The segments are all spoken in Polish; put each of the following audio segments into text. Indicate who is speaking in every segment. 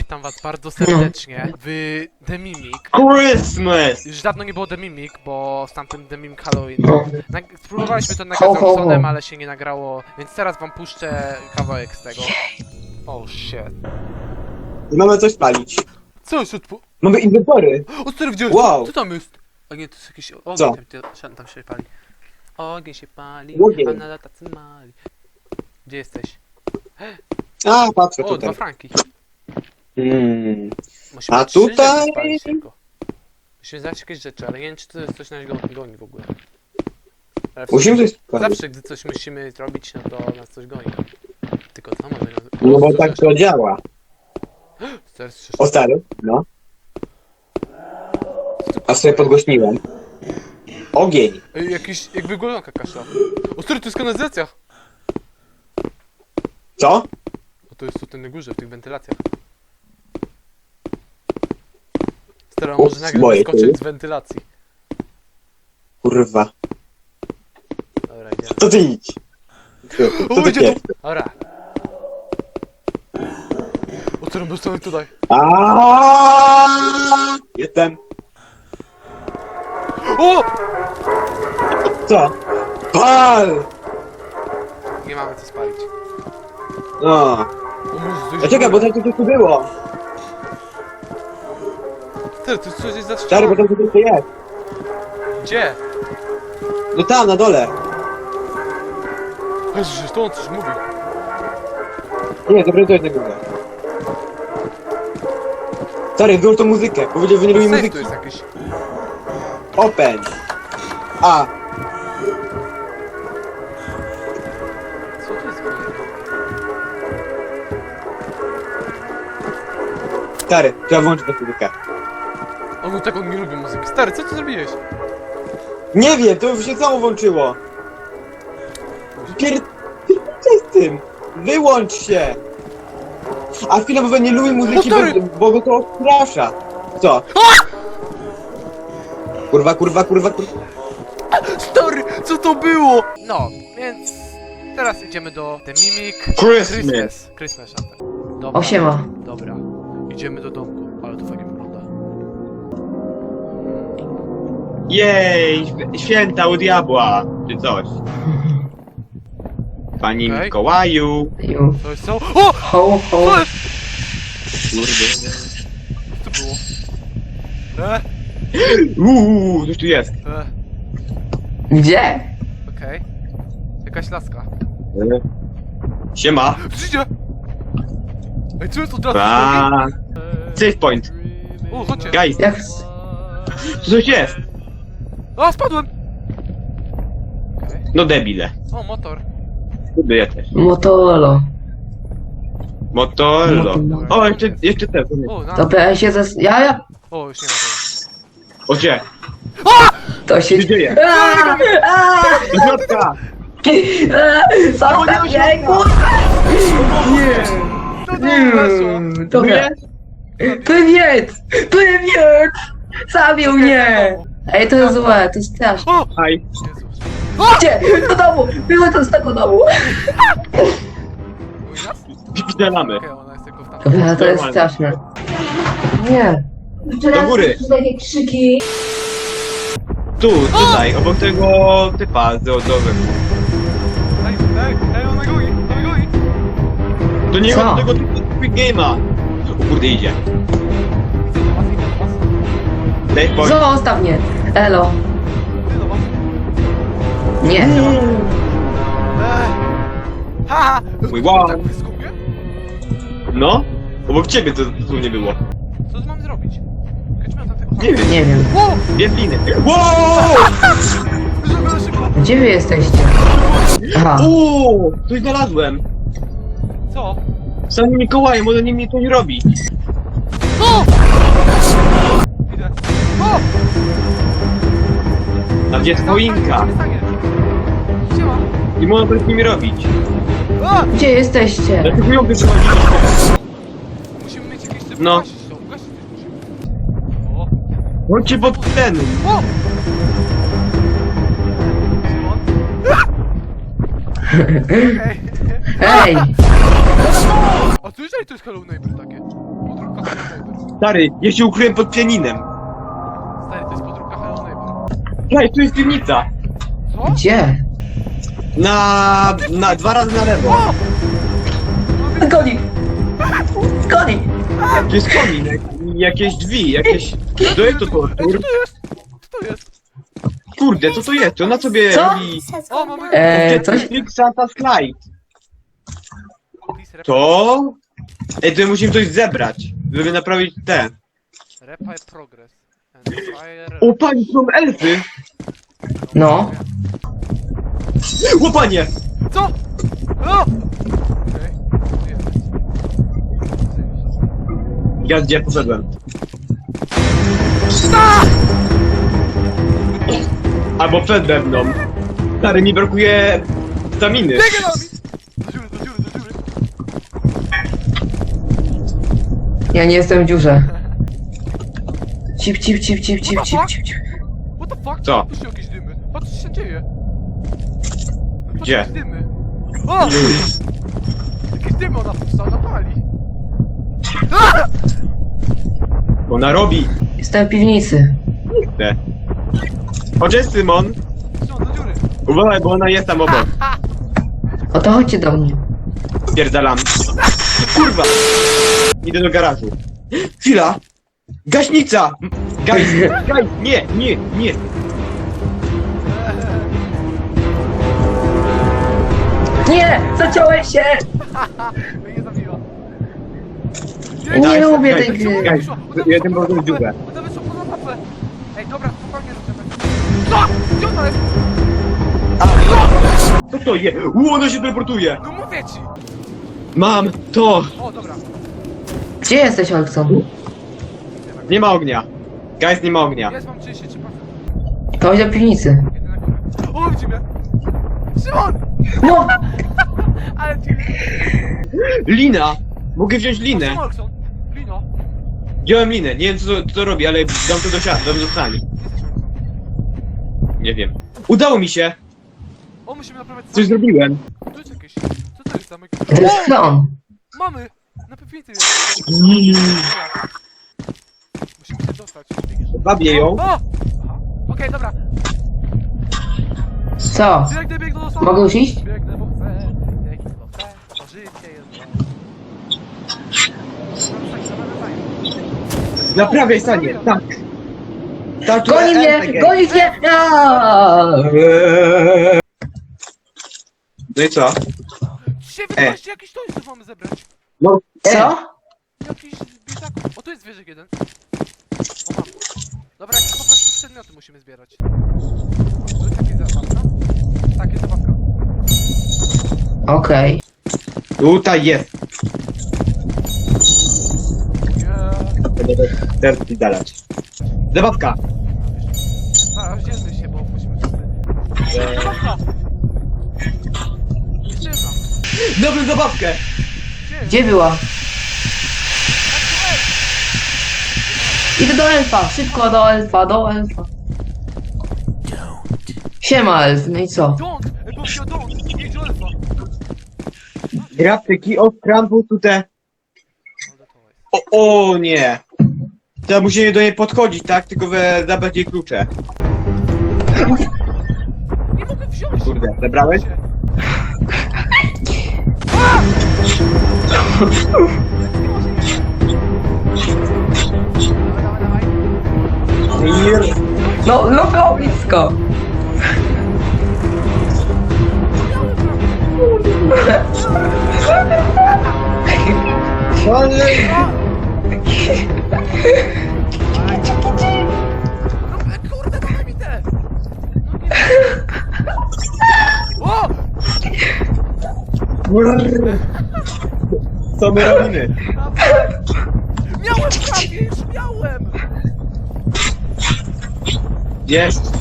Speaker 1: witam was bardzo serdecznie w The Mimic.
Speaker 2: Christmas!
Speaker 1: Już dawno nie było The Mimic, bo z tamtym The Mimic Halloween...
Speaker 3: No.
Speaker 1: Spróbowaliśmy to nagrać z Robsonem, ale się nie nagrało, więc teraz wam puszczę kawałek z tego. Oh shit.
Speaker 2: Mamy coś spalić.
Speaker 1: Co jest
Speaker 2: Mamy inwentory.
Speaker 1: O, stary, widziałeś?
Speaker 2: Wow.
Speaker 1: Co tam jest? A nie, to jest jakiś ogień,
Speaker 2: Co?
Speaker 1: tam się pali. Ogień się pali,
Speaker 2: Ogień.
Speaker 1: a na tacy mali. Gdzie jesteś?
Speaker 2: A, patrzę
Speaker 1: O,
Speaker 2: tutaj.
Speaker 1: 2 franki. Musimy
Speaker 2: A
Speaker 1: 3
Speaker 2: tutaj?
Speaker 1: rzeczy spalić tylko. Musimy znaleźć jakieś rzeczy, ale nie wiem, czy to jest coś nas goni w ogóle. Ale w
Speaker 2: Musimy
Speaker 1: sumie
Speaker 2: coś spalić.
Speaker 1: zawsze, gdy coś musimy zrobić, no to nas coś goni. Tylko co może nas...
Speaker 2: No bo tak to działa.
Speaker 1: Teraz
Speaker 2: O stary, no. A sobie podgłośniłem. Ogień.
Speaker 1: Ej, jakiś, jakby golonka kasza. O, stary, to jest kanalizacja!
Speaker 2: Co?
Speaker 1: O, to jest tutaj na górze, w tych wentylacjach. Stary, a
Speaker 2: Ups,
Speaker 1: może nagle
Speaker 2: boję się.
Speaker 1: wyskoczyć z wentylacji.
Speaker 2: Kurwa.
Speaker 1: Dobra, idziemy.
Speaker 2: To ty idź. Co ty
Speaker 1: idzie tu!
Speaker 2: jest?
Speaker 1: Dobra. O, stary, dostałem tutaj.
Speaker 2: Jestem.
Speaker 1: O!
Speaker 2: Co? Pal!
Speaker 1: Nie mamy co spalić.
Speaker 2: No.
Speaker 1: O, może coś...
Speaker 2: A czekaj, bo tam coś tu było.
Speaker 1: Stary, to jest coś jest
Speaker 2: Stary, bo
Speaker 1: zastrzelone.
Speaker 2: tam coś tu jest.
Speaker 1: Gdzie?
Speaker 2: No tam, na dole.
Speaker 1: Jezus, to on coś mówi.
Speaker 2: Nie, to jest na górze. Stary, wyłącz tą muzykę. Powiedział, że nie lubi
Speaker 1: Safe
Speaker 2: muzyki.
Speaker 1: tu jest jakiś.
Speaker 2: Open. A.
Speaker 1: Co to jest?
Speaker 2: Stary, trzeba włączyć tę muzykę.
Speaker 1: On tak on nie lubi muzyki. Stary, co ty zrobiłeś?
Speaker 2: Nie wiem, to już się samo włączyło. Co z tym? Wyłącz się! A chwilę, bo nie lubi muzyki,
Speaker 1: O, stary!
Speaker 2: bo go to odstrasza. Co? Kurwa, kurwa, kurwa, kurwa.
Speaker 1: Stary, co to było? No, więc teraz idziemy do The Mimic Christmas Shuttle. Dobra,
Speaker 3: Osiema.
Speaker 1: dobra. Idziemy do domku, ale to fajnie wygląda.
Speaker 2: Jej, święta u diabła, czy coś. Panie
Speaker 1: Okej.
Speaker 2: Mikołaju.
Speaker 3: Ju.
Speaker 1: To jest co? O!
Speaker 3: Ho, ho.
Speaker 1: Co jest?
Speaker 2: Kurde.
Speaker 1: Co to było?
Speaker 2: Coś tu jest.
Speaker 3: Gdzie?
Speaker 1: Okej. Jakaś laska.
Speaker 2: Siema.
Speaker 1: Przyjdzie! Ej, co jest od razu?
Speaker 2: A, save point.
Speaker 1: O, chodźcie.
Speaker 2: Guys,
Speaker 3: Jak...
Speaker 2: tu coś jest.
Speaker 1: A, spadłem! Okej.
Speaker 2: No debile.
Speaker 1: O, motor.
Speaker 2: Kurde, ja też.
Speaker 3: Motolo.
Speaker 2: Motolo. O, jeszcze te.
Speaker 1: O, na...
Speaker 3: Dobra, ja się Ja...
Speaker 1: O, już nie ma tego.
Speaker 2: O, gdzie?
Speaker 3: To się...
Speaker 2: Co się dzieje? Do środka!
Speaker 3: Zostaw mnie, kurwa!
Speaker 1: To nie weszło.
Speaker 3: Dobra. Prywiec! Prywiec! Zabił mnie! Ej, to jest złe, to jest straszne.
Speaker 1: O!
Speaker 2: Aj.
Speaker 1: Jezus.
Speaker 3: Gdzie? Do domu! Wychodzę z tego domu!
Speaker 1: Mój raz?
Speaker 2: Wpierdalamy.
Speaker 1: Okej, ona jest tylko w tam.
Speaker 3: Dobra, to jest straszne. Nie.
Speaker 2: Do góry.
Speaker 4: Takie krzyki.
Speaker 2: Tutaj, obok tego typa z odowym.
Speaker 1: Ej, ona goi, ona goi.
Speaker 2: Do niego,
Speaker 3: Co?
Speaker 2: do tego typa z Quick Game'a. O kurde, idzie.
Speaker 1: Idę do was.
Speaker 2: Save point.
Speaker 3: Zostaw mnie! Elo.
Speaker 1: Idę do was.
Speaker 3: Nie.
Speaker 1: Haha!
Speaker 2: Mój wow.
Speaker 1: Tak blisko mnie?
Speaker 2: No? Obok ciebie to tu nie było.
Speaker 1: Co tu mam zrobić? Chodźmy na tego.
Speaker 2: Nie wiem.
Speaker 3: Nie wiem.
Speaker 1: Wow!
Speaker 2: Jest liny. Wow!
Speaker 1: Żeby szybko.
Speaker 3: Gdzie wy jesteście? Aha.
Speaker 2: Uuu, coś znalazłem.
Speaker 1: Co?
Speaker 2: Sam Mikołaj, może nie mnie to nie robi.
Speaker 1: O! Idę. O!
Speaker 2: A gdzie jest choinka?
Speaker 1: Gdzie mam?
Speaker 2: Nie można z nimi robić.
Speaker 1: A!
Speaker 3: Gdzie jesteście?
Speaker 2: Dlaczego ją wyprowadziliśmy?
Speaker 1: Musimy mieć jakieś...
Speaker 2: No.
Speaker 1: Ugasić to musimy. O!
Speaker 2: Chodźcie pod ten.
Speaker 1: O! Okej.
Speaker 3: Ej!
Speaker 1: A co jeżeli to jest Hello Neighbor takie? Podróbka
Speaker 2: Stary, ja się ukryłem pod pianinem.
Speaker 1: Stary, to jest podróbka Hello Neighbor.
Speaker 2: Hej, tu jest piwnica.
Speaker 1: Co?
Speaker 3: Gdzie?
Speaker 2: Na 2 razy na lewo.
Speaker 1: O!
Speaker 3: Goni! Goni!
Speaker 2: Tu jest kominek, jakieś drzwi, jakieś... To jest to
Speaker 1: Ej,
Speaker 2: tortur.
Speaker 1: co to jest? Co to jest?
Speaker 2: Kurde, co to jest? Ona sobie
Speaker 3: Co?
Speaker 2: robi...
Speaker 1: O, mamy...
Speaker 3: Coś?
Speaker 2: Objective Santa Slide.
Speaker 1: Please repair-
Speaker 2: To? Ej, to musimy coś zebrać, żeby naprawić te.
Speaker 1: Repair progress. And fire...
Speaker 2: O, pani, są elfy!
Speaker 3: No.
Speaker 2: O, panie!
Speaker 1: Co? O! Okej.
Speaker 2: Ja gdzie poszedłem? Albo przede mną. Stary, mi brakuje staminy.
Speaker 1: Biegę nami! Do dziury, do dziury, do dziury.
Speaker 3: Ja nie jestem w dziurze. Cip, cip, cip, cip, cip, cip, cip, cip.
Speaker 1: What the fuck?
Speaker 2: Co?
Speaker 1: Tu się jakieś dymy. Patrz, co się dzieje. Patrz,
Speaker 2: Gdzie?
Speaker 1: jakieś dymy. O! Jakieś dymy ona pali. A!
Speaker 2: Ona robi.
Speaker 3: Jestem w piwnicy.
Speaker 2: Te. O, cześć, Simon.
Speaker 1: Co, do dziury.
Speaker 2: Uważaj, bo ona jest tam obok.
Speaker 3: O to chodźcie do mnie.
Speaker 2: Pierdalam. Kurwa! Idę do garażu. Chwila! Gaśnica! Gaj, nie, nie, nie.
Speaker 3: Nie! Zaciąłeś się!
Speaker 1: Mnie zabiła.
Speaker 3: Nie lubię tej gry.
Speaker 2: Gaj, jeden był w dziurę.
Speaker 1: Ona wyszła poza mapę. Ej, dobra, spokojnie zaczynamy. Co? Gdzie ona jest?
Speaker 2: Co to jest? Ona się teleportuje!
Speaker 1: No mówię ci.
Speaker 2: Mam to!
Speaker 1: O, dobra.
Speaker 3: Gdzie jesteś, Olkson?
Speaker 2: Nie ma ognia. Guys, nie ma ognia.
Speaker 1: Jest, mam 33%.
Speaker 3: To chodź do piwnicy.
Speaker 1: Jedyna górę. O, widzi mnie. Szymon!
Speaker 3: No!
Speaker 1: Ale ci...
Speaker 2: Lina! Mogę wziąć linę.
Speaker 1: Olkson. Lino.
Speaker 2: Wziąłem linę. Nie wiem co to robi, ale dam to do sali. Nie wiem. Udało mi się!
Speaker 1: O, musimy naprawiać
Speaker 2: Coś zrobiłem.
Speaker 1: Tu jest jakieś... Co to jest zamek?
Speaker 3: To jest klon.
Speaker 1: Mamy! Na piwnicy jest. Musimy się dostać.
Speaker 2: Babię ją.
Speaker 1: O! Aha. Okej, dobra.
Speaker 3: Co?
Speaker 1: Biegnę, biegnę do
Speaker 3: Mogę już iść?
Speaker 1: Biegnę, bo chcę. Biegnę, bo chcę. To życie jest złe.
Speaker 2: Naprawiaj sanie. Tak. Tak, tu
Speaker 3: Goni mnie!
Speaker 2: RPG.
Speaker 3: Goni mnie! Aaaa!
Speaker 2: No i co?
Speaker 1: Dzisiaj wydaje jakiś to jest, co mamy zebrać.
Speaker 2: No,
Speaker 3: Co?
Speaker 1: Jakiś biedaków. O, tu jest zwierzę jeden. O, mam. Dobra, jakieś po prostu przedmioty musimy zbierać. To jest jakaś zabawka? Tak, jest zabawka.
Speaker 3: Okej.
Speaker 2: Tutaj jest.
Speaker 1: Nie.
Speaker 2: Teraz ci dalać. Zabawka.
Speaker 1: Zaraz dzielmy się, bo musimy sobie... Zabawka! Jeszcze jedna.
Speaker 2: Dobrą zabawkę.
Speaker 3: Gdzie była? Idę do elfa! Szybko do elfa, do elfa. Siema elf, no i co?
Speaker 1: Don't! Bo wziął don't! Idź do elfa!
Speaker 2: Graftyki od Trumpu tutaj. O nie. Teraz musimy do niej podchodzić, tak? Tylko zabrać jej klucze.
Speaker 1: Nie mogę wziąć!
Speaker 2: Kurde, zabrałeś?
Speaker 1: A! Dawaj, dawaj, dawaj.
Speaker 3: No było blisko.
Speaker 2: Ale...
Speaker 1: No kurde, dawaj mi te! O!
Speaker 2: Co my robimy?
Speaker 1: Miałem prawie, już miałem!
Speaker 2: Jest.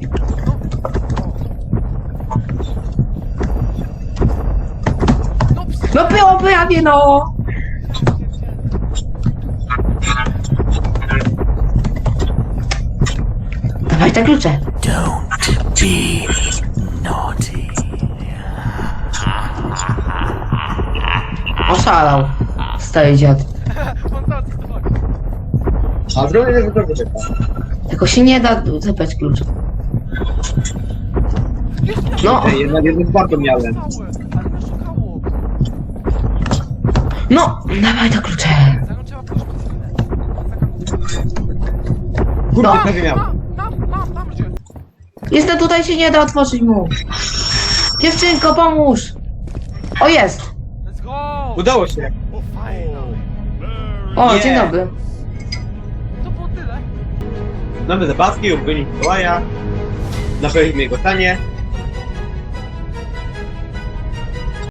Speaker 1: No ps...
Speaker 3: No było prawie no. Dawaj te klucze. Oszalał. Stary dziad.
Speaker 1: On tam co chodzi.
Speaker 2: A zrobię tego trochę czeka.
Speaker 3: Tylko się nie da zabrać klucza. No,
Speaker 2: Ej, jednak jedno spadło miałem.
Speaker 1: Ale mnie szukało.
Speaker 3: no, dawaj te klucze.
Speaker 1: Za nią trzeba pójść przez chwilę.
Speaker 2: Kurde,
Speaker 3: No.
Speaker 2: prawie miałem.
Speaker 1: Mam gdzie.
Speaker 3: Jestem tutaj, się nie da otworzyć mu. Dziewczynko, pomóż. O, jest.
Speaker 1: Let's go!
Speaker 2: Udało się.
Speaker 1: O, fajno.
Speaker 3: O,
Speaker 2: Nie.
Speaker 3: dzień dobry.
Speaker 1: To było tyle.
Speaker 2: Mamy zabawki, ubrani Mikołaja. Naprawimy jego stanie.